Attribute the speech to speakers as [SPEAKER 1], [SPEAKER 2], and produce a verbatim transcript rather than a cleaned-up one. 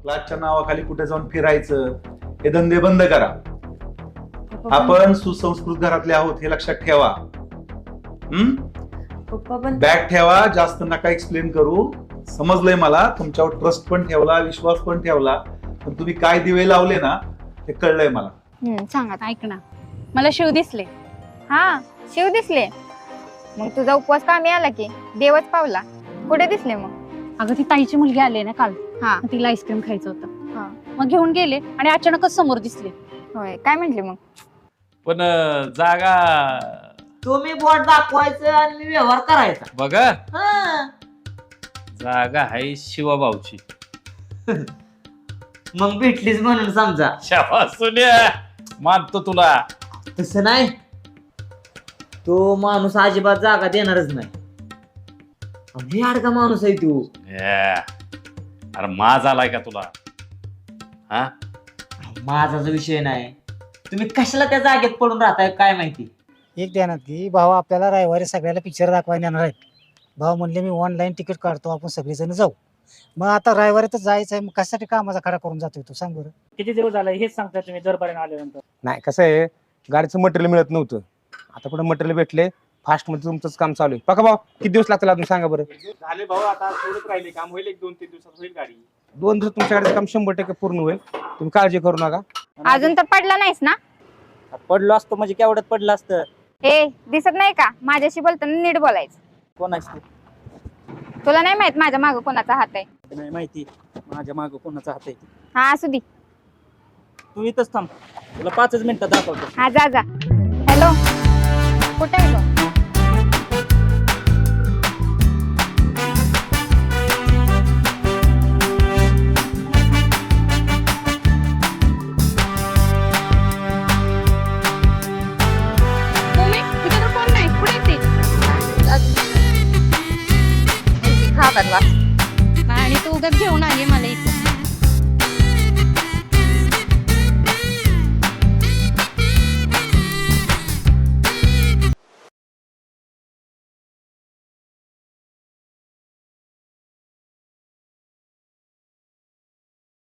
[SPEAKER 1] क्लासच्या नावाखाली कुठे जाऊन फिरायचं हे धंदे बंद करा. आपण सुसंस्कृत घरातले आहोत हे लक्षात ठेवा. हम्म
[SPEAKER 2] पप्पा पण
[SPEAKER 1] बॅग ठेवा, जास्त नका एक्सप्लेन करू. समजलंय मला, तुमच्यावर ट्रस्ट पण ठेवला, विश्वास पण ठेवला, पण तुम्ही काय दिवे लावले ना हे कळलंय मला.
[SPEAKER 3] हम्म सांगा.
[SPEAKER 4] ऐक ना, मला शिव दिसले.
[SPEAKER 3] हा शिव दिसले. मग तुझा उपवास कामी आला की देवच पावला. कुठे दिसले मग?
[SPEAKER 4] अगं ती ताईची मुलगी आली ना काल,
[SPEAKER 3] हा
[SPEAKER 4] मग तिला आईस्क्रीम खायचं होतं.
[SPEAKER 3] हा
[SPEAKER 4] मग घेऊन गेले आणि अचानकच समोर दिसले.
[SPEAKER 3] होय, काय म्हंटले मग?
[SPEAKER 5] पण अं, जागा
[SPEAKER 2] तुम्ही बोट दाखवायचं आणि मी व्यवहार करायचा.
[SPEAKER 5] बघा,
[SPEAKER 2] हा.
[SPEAKER 5] जागा आहे शिवाभाऊची.
[SPEAKER 2] मग भेटलीच म्हणून समजा.
[SPEAKER 5] शाबास सोन्या, मानतो तुला.
[SPEAKER 2] तसं नाही, तो माणूस अजिबात जागा देणारच नाही. अगदी अडका माणूस आहे तू.
[SPEAKER 5] या. अरे माज आलाय का तुला? हा
[SPEAKER 2] माझा जो विषय नाही, तुम्ही कशाला त्या जागेत पडून राहताय काय माहिती.
[SPEAKER 6] एक ध्यानात की भाऊ आपल्याला रविवारी सगळ्याला पिक्चर दाखवायला येणार आहेत. भाऊ म्हणले मी ऑनलाईन तिकीट काढतो, आपण सगळेजण जाऊ. मग आता रविवारी तर जायचं आहे, मग कशासाठी कामाचा खडा करून जातोय तू सांग बरं.
[SPEAKER 7] किती दिवस झाला हेच सांगता तुम्ही दरपर्यंत आल्यानंतर.
[SPEAKER 8] नाही कसं आहे, गाडीचं मटेरियल मिळत नव्हतं, आता कुठे मटेरियल भेटले. फास्ट मध्ये तुमचंच काम चालू आहे. बघा भाऊ किती दिवस लागतील अजून सांगा बरं.
[SPEAKER 7] झाले भाऊ, आता थोडंच राहिले काम, होईल एक दोन तीन दिवसात होईल गाडी.
[SPEAKER 8] दोन दिवस तुमच्या गाडीचं काम शंभर टक्के पूर्ण होईल, तुम्ही काळजी करू नका.
[SPEAKER 3] अजून तर पडला नाहीस ना?
[SPEAKER 7] पडलो असतो म्हणजे केवढ्यात पडलं असतं.
[SPEAKER 3] ए दिसत नाही का? माझ्याशी बोलताना नीट बोलायचं.
[SPEAKER 7] कोणाची
[SPEAKER 3] तुला नाही माहित माझ्या मागं कोणाचा हात आहे?
[SPEAKER 7] नाही माहिती माझ्या मागं कोणाचा हात आहे.
[SPEAKER 3] हा असू दे.
[SPEAKER 7] तू इथंच थांब, तुला पाचच मिनिटात दाखवतो.
[SPEAKER 3] हा जा जा. हॅलो, कुठे आहे गं?
[SPEAKER 4] तुम्ही तिथे तर कोण नाही, कुठे आहे ती?
[SPEAKER 3] खातात वास.